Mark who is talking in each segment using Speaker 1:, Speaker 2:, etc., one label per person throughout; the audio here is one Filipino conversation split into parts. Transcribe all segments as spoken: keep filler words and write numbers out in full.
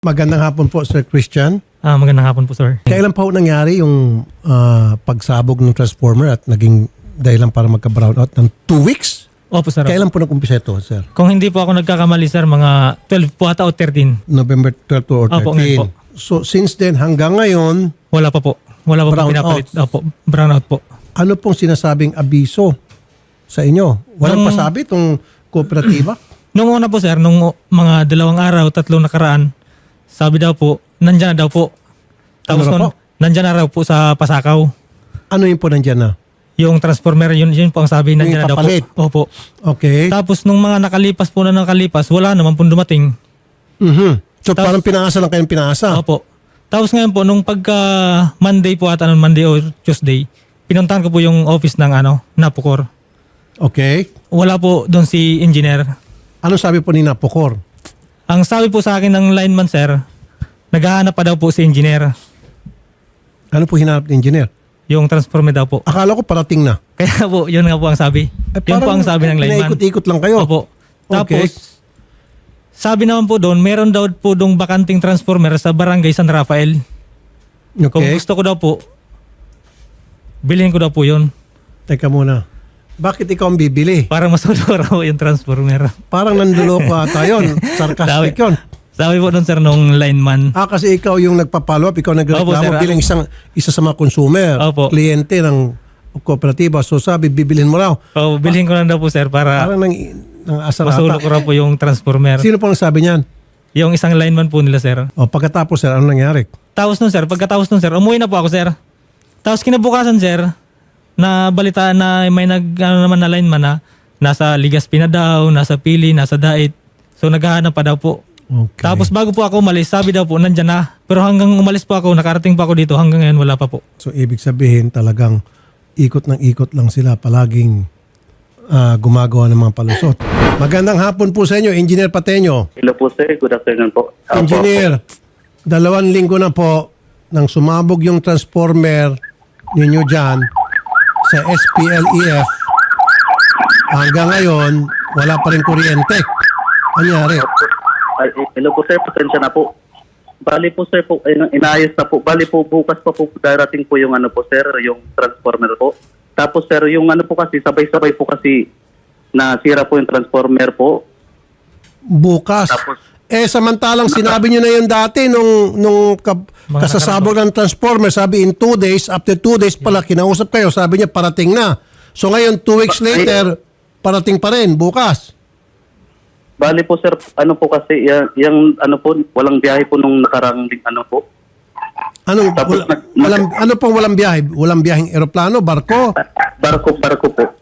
Speaker 1: Magandang hapon po, Sir Christian.
Speaker 2: Ah, magandang hapon po, sir.
Speaker 1: Kailan pa ho nangyari yung ah, pagsabog ng transformer at naging dahilan para magka-brownout ng two weeks?
Speaker 2: Opo, sir.
Speaker 1: Kailan po nag-umpisa ito, sir?
Speaker 2: Kung hindi po ako nagkakamali, sir, mga twelve po ata o thirteen.
Speaker 1: November twelve or
Speaker 2: Opo, ngayon
Speaker 1: thirteen. So, since then, hanggang ngayon,
Speaker 2: Wala pa po. Wala pa po
Speaker 1: Brownout.
Speaker 2: pinapalit. Opo, brownout po.
Speaker 1: ano pong sinasabing abiso sa inyo? Walang
Speaker 2: Nung-
Speaker 1: pasabi itong kooperatiba?
Speaker 2: Nung una po, sir, nung mga dalawang araw, tatlong nakaraan, sabi daw po, nandyan na daw po. Tapos
Speaker 1: Ano na
Speaker 2: nun,
Speaker 1: po?
Speaker 2: nandyan na raw po sa Pasakaw.
Speaker 1: Ano yun po nandyan na?
Speaker 2: Yung transformer, yun, yun po ang sabi, nandyan na daw po.
Speaker 1: ipapalit.
Speaker 2: Opo.
Speaker 1: Okay.
Speaker 2: Tapos nung mga nakalipas po na nakalipas, wala naman po dumating.
Speaker 1: Mhm. So,
Speaker 2: Tapos-
Speaker 1: parang pinaasa lang kayong pinaasa.
Speaker 2: Opo. Tapos ngayon po, nung pagka Monday po ata, nung Monday o Tuesday, pinuntahan ko po yung office ng ano, Napocor.
Speaker 1: Okay.
Speaker 2: Wala po doon si engineer.
Speaker 1: Ano sabi po ni Napocor?
Speaker 2: Ang sabi po sa akin ng lineman, sir, naghahanap pa daw po si engineer.
Speaker 1: Ano po hinanap ng engineer?
Speaker 2: Yung transformer daw po.
Speaker 1: Akala ko parating na.
Speaker 2: Kaya po, yun nga po ang sabi.
Speaker 1: Eh,
Speaker 2: yun po
Speaker 1: parang
Speaker 2: ang sabi ng lineman.
Speaker 1: Naikot-ikot lang kayo.
Speaker 2: Opo.
Speaker 1: Okay.
Speaker 2: Tapos, sabi naman po doon, meron daw po doong bakanting transformer sa barangay San Rafael. Kung
Speaker 1: Okay.
Speaker 2: gusto ko daw po, bilhin ko daw po yun.
Speaker 1: Teka muna. Bakit ikaw ang bibili?
Speaker 2: Para masudura po yung transformer.
Speaker 1: Parang nanduloko ata yun. Sarcastic yun.
Speaker 2: Sabi po doon, sir, nung lineman.
Speaker 1: Ah, kasi ikaw yung nagpa-follow up, ikaw
Speaker 2: Opo,
Speaker 1: nagreklamo
Speaker 2: sir.
Speaker 1: bilang isang, isa sa mga consumer,
Speaker 2: Opo.
Speaker 1: kliyente ng kooperatiba. So sabi, bibilhin mo raw.
Speaker 2: Oh, bilhin ko lang daw po, sir, para
Speaker 1: Parang nang, nang asar
Speaker 2: masulok
Speaker 1: ata.
Speaker 2: ko raw po yung transformer.
Speaker 1: Sino po ang sabi niyan?
Speaker 2: Yung isang lineman po nila, sir.
Speaker 1: O pagkatapos, sir, ano nangyari?
Speaker 2: Tapos nun, sir, pagkatapos nun, sir, umuwi na po ako, sir. Tapos kinabukasan, sir, na balita na may nag, ano naman na lineman na nasa Ligaspi na daw, nasa Pili, nasa Dait. So naghahanap pa daw po.
Speaker 1: Okay.
Speaker 2: Tapos bago po ako umalis, sabi daw po, nandyan na. Pero hanggang umalis po ako, nakarating pa ako dito, hanggang ngayon wala pa po.
Speaker 1: So ibig sabihin talagang ikot ng ikot lang sila, palaging ah, gumagawa ng mga palusot. Magandang hapon po sa inyo, Engineer Pateño.
Speaker 3: Hello po sir, good afternoon po. Opo.
Speaker 1: Engineer, dalawang linggo na po nang sumabog yung transformer ninyo dyan sa S P L E F. Hanggang ngayon, wala pa rin kuryente. Anyari?
Speaker 3: Ay, eh, hello po sir, pasensya na po. Bali po sir, po, eh, inaayos na po. Bali po bukas pa po darating po yung ano po sir, yung transformer po. Tapos sir, yung ano po kasi, sabay-sabay po kasi nasira po yung transformer po.
Speaker 1: Bukas.
Speaker 3: Tapos,
Speaker 1: Eh, samantalang sinabi nyo na yun dati nung, nung ka-
Speaker 2: Mga
Speaker 1: kasasabog ng transformer, sabi in two days, after two days pala, kinausap kayo, sabi niya parating na. So ngayon, two weeks later, parating pa rin, bukas.
Speaker 3: bali po sir, ano po kasi, yung, yung ano po, walang biyahe po nung nakarang ano po.
Speaker 1: Anong,
Speaker 3: Tapos
Speaker 1: wala,
Speaker 3: nag-
Speaker 1: walang, ano pong walang biyahe? Walang biyaheng eroplano, barko?
Speaker 3: Barko, barko po.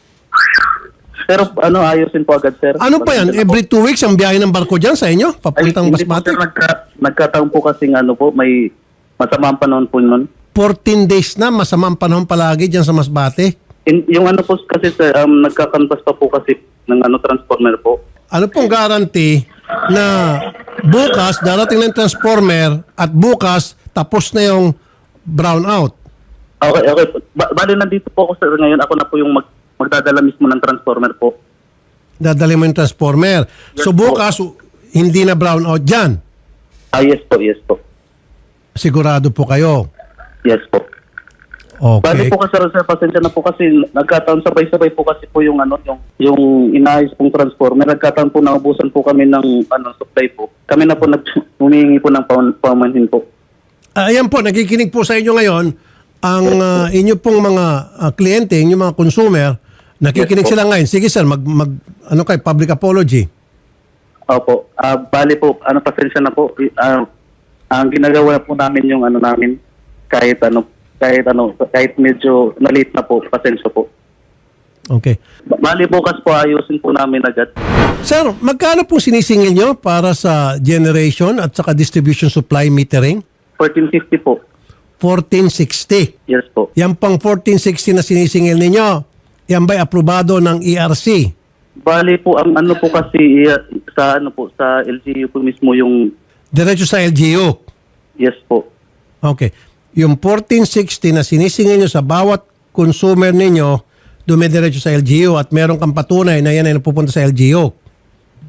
Speaker 3: Pero ano, ayusin po agad sir.
Speaker 1: Ano pa yan? Every two weeks ang biyahe ng barko dyan sa inyo? Papuntang
Speaker 3: hindi po,
Speaker 1: Basmati?
Speaker 3: sir, nagka, nagkataon po kasi ano po, may masamang panahon po nun.
Speaker 1: fourteen days na, masamang panahon palagi dyan sa Masbate.
Speaker 3: In, yung ano po kasi sir, um, nagkakanvas pa po kasi ng ano transformer po.
Speaker 1: Ano pong guarantee na bukas darating ng transformer at bukas tapos na yung brownout?
Speaker 3: Okay, okay. Ba- bali nandito po ako sir ngayon. Ako na po yung mag, magdadala mismo ng transformer po.
Speaker 1: Dadali mo yung transformer. So
Speaker 3: Yes,
Speaker 1: bukas, hindi na brownout dyan.
Speaker 3: Ah, yes po, yes po.
Speaker 1: Sigurado po kayo.
Speaker 3: Yes po.
Speaker 1: Okay.
Speaker 3: Bali po kasi sir, pasensya na po kasi nagkataon sabay-sabay po kasi po yung ano, yung, yung inayos pong transformer. Nagkataon po naubusan po kami ng ano, supply po. Kami na po nag humihingi po ng paman- pamanhin po.
Speaker 1: Ah, ayan po, nakikinig po sa inyo ngayon ang ah, inyo pong mga ah, kliyente, inyong mga consumer, nakikinig
Speaker 3: Yes, po.
Speaker 1: sila ngayon. Sige sir, mag, mag ano kay public apology.
Speaker 3: Opo. Ah, bali po, ano pasensya na po. Ah, ang ginagawa po namin yung ano namin kahit ano kahit ano kahit medyo nalit na po, pasensya po.
Speaker 1: Okay.
Speaker 3: Bali bukas po ayusin po namin agad.
Speaker 1: Sir, magkano po sinisingil nyo para sa generation at saka distribution supply metering?
Speaker 3: fourteen fifty po.
Speaker 1: fourteen sixty.
Speaker 3: Yes po.
Speaker 1: Yan pang fourteen sixty na sinisingil ninyo, yan ba'y aprobado ng E R C?
Speaker 3: Bali po ang ano po kasi eh, sa ano po sa L G U po mismo yung
Speaker 1: Diretso sa L G U.
Speaker 3: yes po.
Speaker 1: Okay. Yung fourteen sixty na sinisingil nyo sa bawat consumer ninyo, dumidiretso sa L G U at meron kang patunay na yan ay napupunta sa L G U.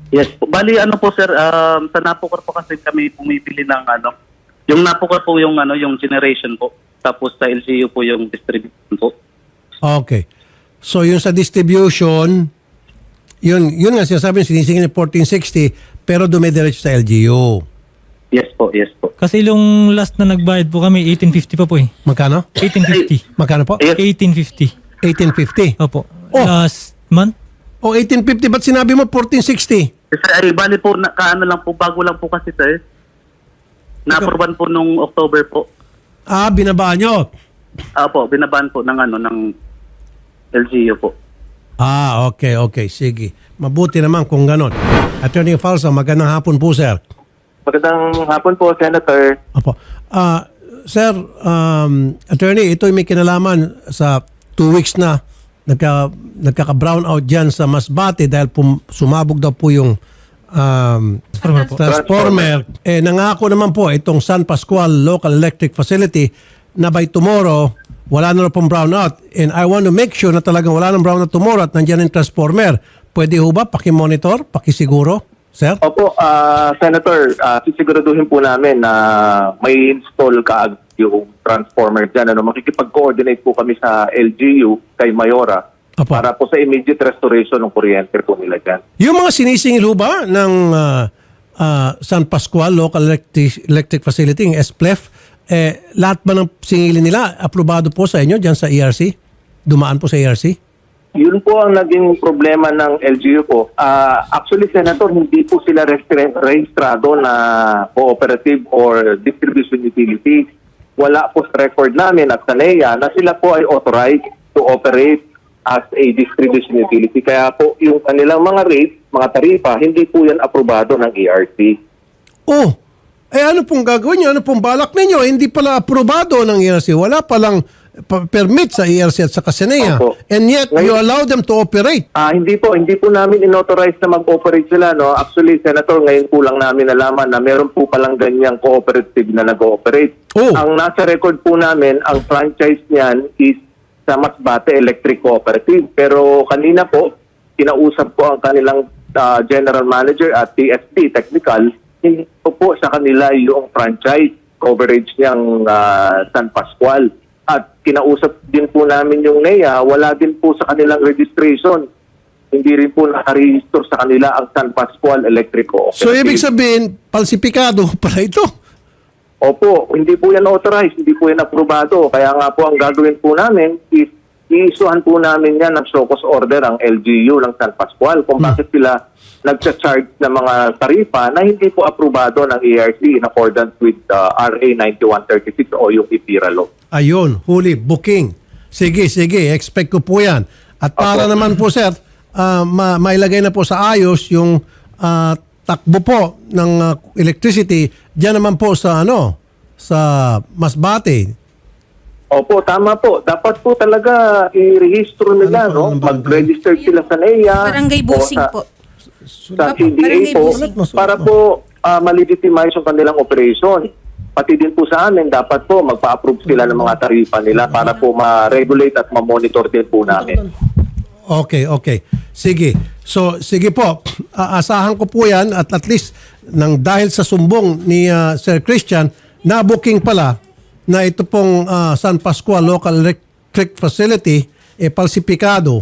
Speaker 3: Yes po. Bali, ano po sir, um, sa Napocor po kasi kami pumipili ng ano, yung Napocor po yung ano, yung generation po. Tapos sa L G U po yung distribution po.
Speaker 1: Okay. So yung sa distribution, yun, yun nga sinasabi niyo, sinisingil ni fourteen sixty, pero dumidiretso sa L G U.
Speaker 3: Yes po, yes po.
Speaker 2: Kasi yung last na nagbayad po kami, eighteen fifty pa po eh.
Speaker 1: Magkano?
Speaker 2: eighteen fifty.
Speaker 1: Magkano po?
Speaker 3: Yes.
Speaker 2: eighteen fifty.
Speaker 1: eighteen fifty.
Speaker 2: Opo.
Speaker 1: Oh.
Speaker 2: Last month?
Speaker 1: O eighteen fifty, ba't sinabi mo fourteen sixty?
Speaker 3: Kasi ay, bali po, na, kaano lang po, bago lang po kasi sir. Na-approvean po nung October po.
Speaker 1: Ah, binabaan nyo.
Speaker 3: Apo, binaban po ng ano, ng L G U po.
Speaker 1: Ah, okay, okay. Sige. Mabuti naman kung ganon. Attorney Falsa, magandang hapon po, sir.
Speaker 4: Magandang hapon po, Senator.
Speaker 1: Opo. Ah, sir, um, attorney, ito may kinalaman sa two weeks na nagka, nagkaka-brown out dyan sa Masbate dahil pum, sumabog daw po yung um,
Speaker 2: Transformer po.
Speaker 1: transformer. Eh, nangako naman po itong San Pascual Local Electric Facility na by tomorrow, wala na pong brownout. And I want to make sure na talagang wala nang brownout tomorrow at nandiyan yung transformer. Pwede ho ba pakimonitor, pakisiguro, sir?
Speaker 4: Opo, ah, Senator, uh, sisiguraduhin po namin na may install ka yung transformer dyan. Ano, makikipag-coordinate po kami sa L G U kay Mayora
Speaker 1: Opo.
Speaker 4: para po sa immediate restoration ng kuryente po nila dyan.
Speaker 1: Yung mga sinisingil ho ba ng ah, ah, San Pascual Local Electric, Electric Facility, yung S P L E F, eh, lahat ba ng singilin nila aprobado po sa inyo dyan sa E R C? Dumaan po sa E R C?
Speaker 4: Yun po ang naging problema ng L G U po. Ah, actually, Senator, hindi po sila restre- rehistrado na cooperative or distribution utility. Wala po sa record namin at sa N E A na sila po ay authorized to operate as a distribution utility. Kaya po yung kanilang mga rates, mga tarifa, hindi po yan aprobado ng E R C.
Speaker 1: Oh, eh ano pong gagawin nyo? Ano pong balak ninyo? Hindi pala aprobado ng E R C. Wala palang pa- permit sa E R C at sa S N E A.
Speaker 4: Opo.
Speaker 1: And yet, you allow them to operate.
Speaker 4: Ah, hindi po, hindi po namin inauthorize na mag-operate sila, no. Actually, Senator, ngayon po lang namin nalaman na meron po palang ganyang cooperative na nag-ooperate.
Speaker 1: Oh.
Speaker 4: Ang nasa record po namin, ang franchise niyan is sa Masbate Electric Cooperative. Pero kanina po, kinausap po ang kanilang ah, general manager at T S D technical, hindi po po sa kanila yung franchise coverage niyang ah, San Pascual. At kinausap din po namin yung N E A, wala din po sa kanilang registration. Hindi rin po nakaregister sa kanila ang San Pascual Electric Cooperative.
Speaker 1: So, ibig sabihin, falsipikado pala ito.
Speaker 4: Opo, hindi po yan authorized, hindi po yan aprobado. Kaya nga po ang gagawin po namin is i-issuehan po namin yan ng show cause order ang L G U ng San Pascual kung bakit sila nagcha-charge ng mga tarifa na hindi po aprobado ng E R C in accordance with uh, R A ninety-one thirty-six o yung I P I R A law.
Speaker 1: Ayun, huli, booking. Sige, sige, expect ko po yan. At para
Speaker 4: Opo.
Speaker 1: naman po, sir, ah, ma- mailagay na po sa ayos yung ah, takbo po ng ah, electricity diyan naman po sa ano, sa Masbate.
Speaker 4: Opo, tama po. Dapat po talaga i-register nila,
Speaker 1: Ano po
Speaker 4: no?
Speaker 1: ang barangay?
Speaker 4: Mag-register sila sa N E A.
Speaker 5: Barangay
Speaker 4: o
Speaker 5: Busing
Speaker 4: sa-
Speaker 5: po.
Speaker 4: Sa
Speaker 5: Opo,
Speaker 4: C D A
Speaker 5: barangay
Speaker 4: po,
Speaker 5: busing.
Speaker 4: para po uh, malegitimize yung kanilang operation. Pati din po sa amin, dapat po magpa-approve sila ng mga tarifa nila para po ma-regulate at ma-monitor din po namin.
Speaker 1: Okay, okay. Sige. So, sige po. Aasahan ko po yan at at least nang dahil sa sumbong ni ah, Sir Christian, na-booking pala na ito pong ah, San Pascual Local Electric Facility eh falsipikado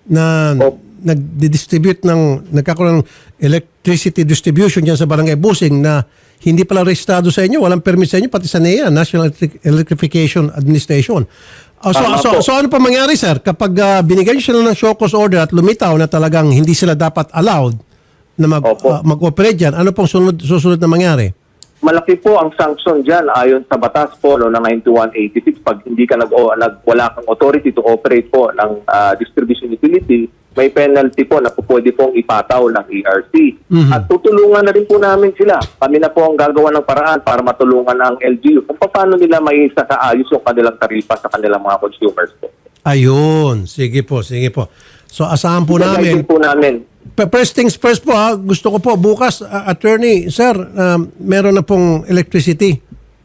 Speaker 1: na
Speaker 4: Opo.
Speaker 1: nagdi-distribute ng nagkakaroon ng electricity distribution diyan sa Barangay Busing na hindi pala rehistrado sa inyo, walang permit sa inyo, pati sa N E A, National Electric- Electrification Administration. Ah, so,
Speaker 4: Tama
Speaker 1: so,
Speaker 4: po.
Speaker 1: so ano pa mangyari, sir? Kapag ah, binigyan nyo sila ng show cause order at lumitaw na talagang hindi sila dapat allowed na mag,
Speaker 4: Opo.
Speaker 1: ah, mag-operate dyan, ano pong sunod, susunod na mangyari?
Speaker 4: Malaki po ang sanction dyan ayon sa batas po no, ng ninety-one eighty-six. Pag hindi ka nag, o, nag wala kang authority to operate po ng ah, distribution utility, may penalty po na po pwede pong ipataw ng E R C.
Speaker 1: Mhm.
Speaker 4: At tutulungan na rin po namin sila. Kami na po ang gagawa ng paraan para matulungan ang L G U kung paano nila may isasaayos yung kanilang tarifa sa kanilang mga consumers po.
Speaker 1: Ayun. Sige po, sige po. So, asahan po namin.
Speaker 4: Gagawin po namin.
Speaker 1: Pa- First things first po ha, gusto ko po bukas, ah, attorney, sir, ah, meron na pong electricity.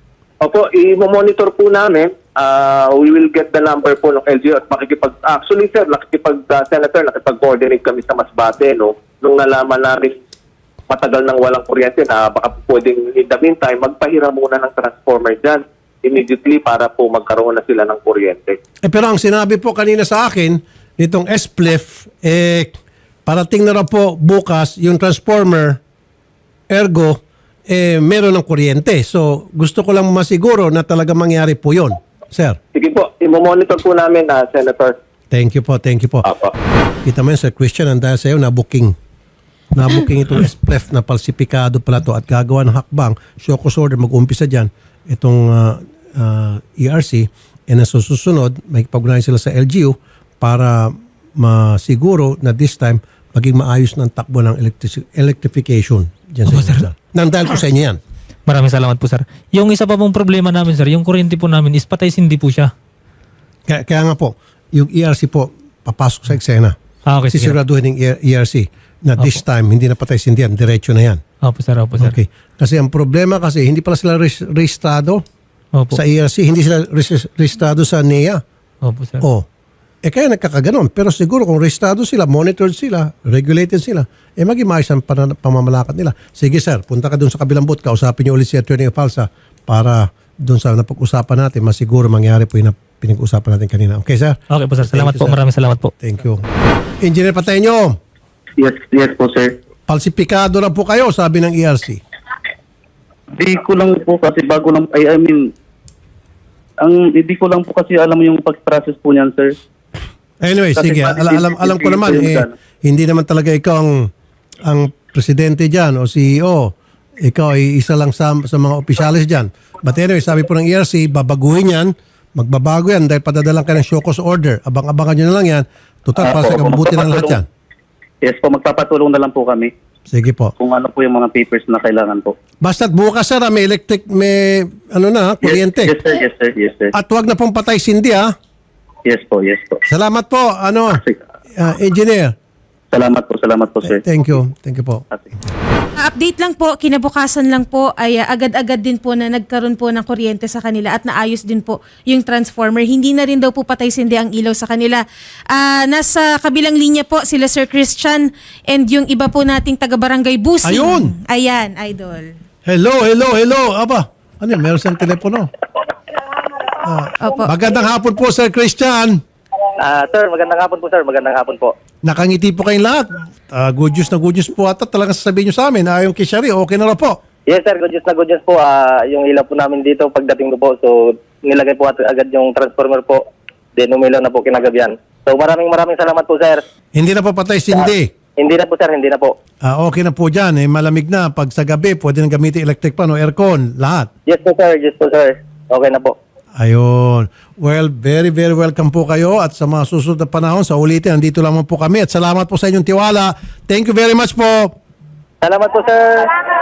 Speaker 4: Opo, i-monitor po namin. Uh, we will get the number po ng L G U at makikipag... Actually, sir, nakikipag, uh, Senator, nakipag-coordinate kami sa Masbate, no? Nung nalaman namin matagal nang walang kuryente na baka pwedeng in the meantime, magpahiram muna ng transformer dyan immediately para po magkaroon na sila ng kuryente.
Speaker 1: Eh, pero ang sinabi po kanina sa akin, nitong S P L I F, eh, parating na raw po bukas yung transformer, ergo, eh, meron ng kuryente. So, gusto ko lang masiguro na talaga mangyari po yon, sir.
Speaker 4: Sige po, imo-monitor po namin na Senator.
Speaker 1: Thank you po, thank you po.
Speaker 4: Apo.
Speaker 1: Kita mo yun, Sir Christian, ang dahil sa iyo, na-booking. Na-booking itong S P L I F na falsifikado pala to at gagawa ng hakbang, show cause order, mag-umpisa dyan, itong uh, uh, E R C, and sa susunod, may pag sila sa L G U para masiguro na this time, maging maayos ng takbo ng electric- electrification dyan sa
Speaker 2: Opo,
Speaker 1: inyo.
Speaker 2: sir.
Speaker 1: Sir. Nang dahil po sa inyo yan.
Speaker 2: Maraming salamat po, sir. Yung isa pa pong problema namin, sir, yung kuryente po namin is patay sindi po siya.
Speaker 1: Kaya, kaya nga po, yung E R C po, papasok sa eksena.
Speaker 2: Ah, okay, sige.
Speaker 1: Sisiguraduhin ng E R C na this time, hindi na patay sindihan, diretso na yan.
Speaker 2: Opo, sir. Opo, sir.
Speaker 1: Okay. Kasi ang problema kasi, hindi pala sila res- registrado
Speaker 2: Opo.
Speaker 1: sa E R C, hindi sila res- registrado sa N E A.
Speaker 2: Opo, sir.
Speaker 1: Oh. Eh kaya nagkakaganon. Pero siguro kung registrado sila, monitored sila, regulated sila, eh maging maayos ang pana- pamamalakad nila. Sige sir, punta ka dun sa kabilang booth, kausapin niyo ulit si Attorney Falsa para dun sa napag-usapan natin, masiguro mangyari po yung na- pinag-usapan natin kanina. Okay sir?
Speaker 2: Okay po, sir. Salamat
Speaker 1: Thank you,
Speaker 2: po.
Speaker 1: sir.
Speaker 2: Maraming salamat po.
Speaker 1: Thank you. Engineer Pateño,
Speaker 3: Yes, yes po, sir.
Speaker 1: falsifikado na po kayo, sabi ng E R C.
Speaker 3: Di ko lang po kasi bago lang, I, I mean, ang hindi ko lang po kasi alam yung pag-process po niyan, sir.
Speaker 1: Anyway,
Speaker 3: Kasi
Speaker 1: sige.
Speaker 3: pati
Speaker 1: Al- alam, alam ko
Speaker 3: hindi
Speaker 1: naman,
Speaker 3: po yung
Speaker 1: eh,
Speaker 3: gano'n.
Speaker 1: hindi naman talaga ikaw ang, ang presidente dyan o C E O. Ikaw ay isa lang sa, sa mga opisyalis dyan. But anyway, sabi po ng E R C, babaguhin yan, magbabago yan dahil padadalang ka ng show cause order. Abang-abangan nyo na lang yan. Total,
Speaker 3: Ah,
Speaker 1: para sa
Speaker 3: opo,
Speaker 1: kabubuti ng lahat yan.
Speaker 3: Yes po, magpapatulong na lang po kami
Speaker 1: Sige po.
Speaker 3: kung ano po yung mga papers na kailangan po.
Speaker 1: Basta't bukas sir, ah, may electric, may ano na, kuryente.
Speaker 3: Yes, yes sir, yes sir, yes sir.
Speaker 1: At huwag na pong patay sindi ha.
Speaker 3: Yes po, yes po.
Speaker 1: Salamat po, ano,
Speaker 3: Sige.
Speaker 1: ah, engineer.
Speaker 3: Salamat po, salamat po, sir.
Speaker 1: Thank you. Thank you po.
Speaker 3: Sige.
Speaker 5: Update lang po, kinabukasan lang po ay uh, agad-agad din po na nagkaroon po ng kuryente sa kanila at naayos din po yung transformer. Hindi na rin daw po patay sindi ang ilaw sa kanila. Ah, nasa kabilang linya po sila Sir Christian and yung iba po nating taga-barangay Busing.
Speaker 1: Ayun!
Speaker 5: Ayan, idol.
Speaker 1: Hello, hello, hello. Aba, ano yun? Meron siyang telepono.
Speaker 5: Opo.
Speaker 1: Magandang hapon po, Sir Christian.
Speaker 6: Ah, sir, magandang hapon po, sir. Magandang hapon po.
Speaker 1: Nakangiti po kayong lahat. Ah, good news na good news po ata. Talagang sasabihin nyo sa amin na yung Kishari, okay na raw po.
Speaker 6: Yes, sir. Good news na good news po. Ah, yung ilaw po namin dito pagdating ko po. So, nilagay po at- agad yung transformer po. Then, umilaw na po kinagabihan. So, maraming maraming salamat po, sir.
Speaker 1: Hindi na po patay sindi.
Speaker 6: Hindi na po, sir. Hindi na po.
Speaker 1: Ah, okay na po dyan. Eh, malamig na. Pag sa gabi, pwede nang gamitin electric pan o aircon. Lahat.
Speaker 6: Yes po, sir. Yes po, sir. Okay na po.
Speaker 1: Ayun. Well, very, very welcome po kayo. At sa mga susunod na panahon, sa ulitin, nandito lamang po kami. At salamat po sa inyong tiwala. Thank you very much po.
Speaker 6: Salamat po, sir.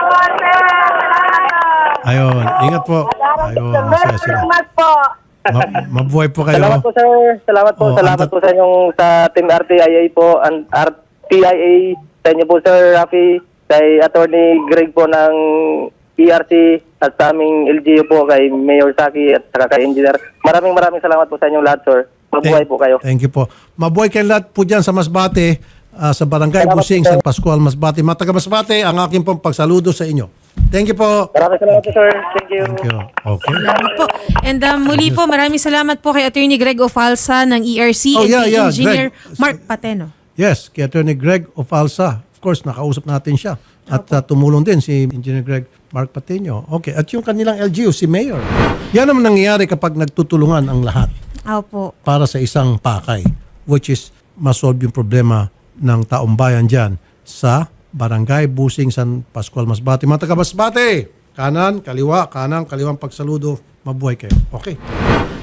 Speaker 1: Ayun. Ingat po. Ayun. Masaya sila. Ma- mabuhay po kayo.
Speaker 6: Salamat po, sir. Salamat po.
Speaker 1: Oh,
Speaker 6: Salamat
Speaker 1: anta-
Speaker 6: po sa inyong sa Team R T I A po. And R T I A sa inyo po, sir Rafi. Kay Attorney Greg po ng E R C at sa aming L G U po kay Mayor Saki at saka kay Engineer. Maraming maraming salamat po sa inyong lahat, sir. Mabuhay
Speaker 1: Thank-
Speaker 6: po kayo.
Speaker 1: Thank you po. Mabuhay kayo lahat po dyan sa Masbate, ah, sa Barangay
Speaker 6: Salamat
Speaker 1: Busing,
Speaker 6: po, sir.
Speaker 1: San Pascual, Masbate. Mga taga Masbate, ang aking pong pagsaludo sa inyo. Thank you po.
Speaker 6: Maraming salamat po, sir. Thank you.
Speaker 1: Thank you. Okay.
Speaker 5: Salamat po. And um, muli po, maraming salamat po kay Attorney Greg Ofalsa ng E R C
Speaker 1: Oh,
Speaker 5: and
Speaker 1: yeah,
Speaker 5: kay
Speaker 1: yeah,
Speaker 5: Engineer
Speaker 1: Greg.
Speaker 5: Mark Pateno.
Speaker 1: Yes, kay Attorney Greg Ofalsa. Of course, nakausap natin siya. At ah, tumulong din si Engineer Greg Mark Patino. Okay. At yung kanilang L G U, si Mayor. Yan naman nangyayari kapag nagtutulungan ang lahat
Speaker 5: Opo.
Speaker 1: para sa isang pakay, which is masolve yung problema ng taong bayan dyan sa Barangay Busing, San Pascual, Masbate. Mga taga Masbate, kanan, kaliwa, kanan, kaliwang pagsaludo. Mabuhay kayo. Okay.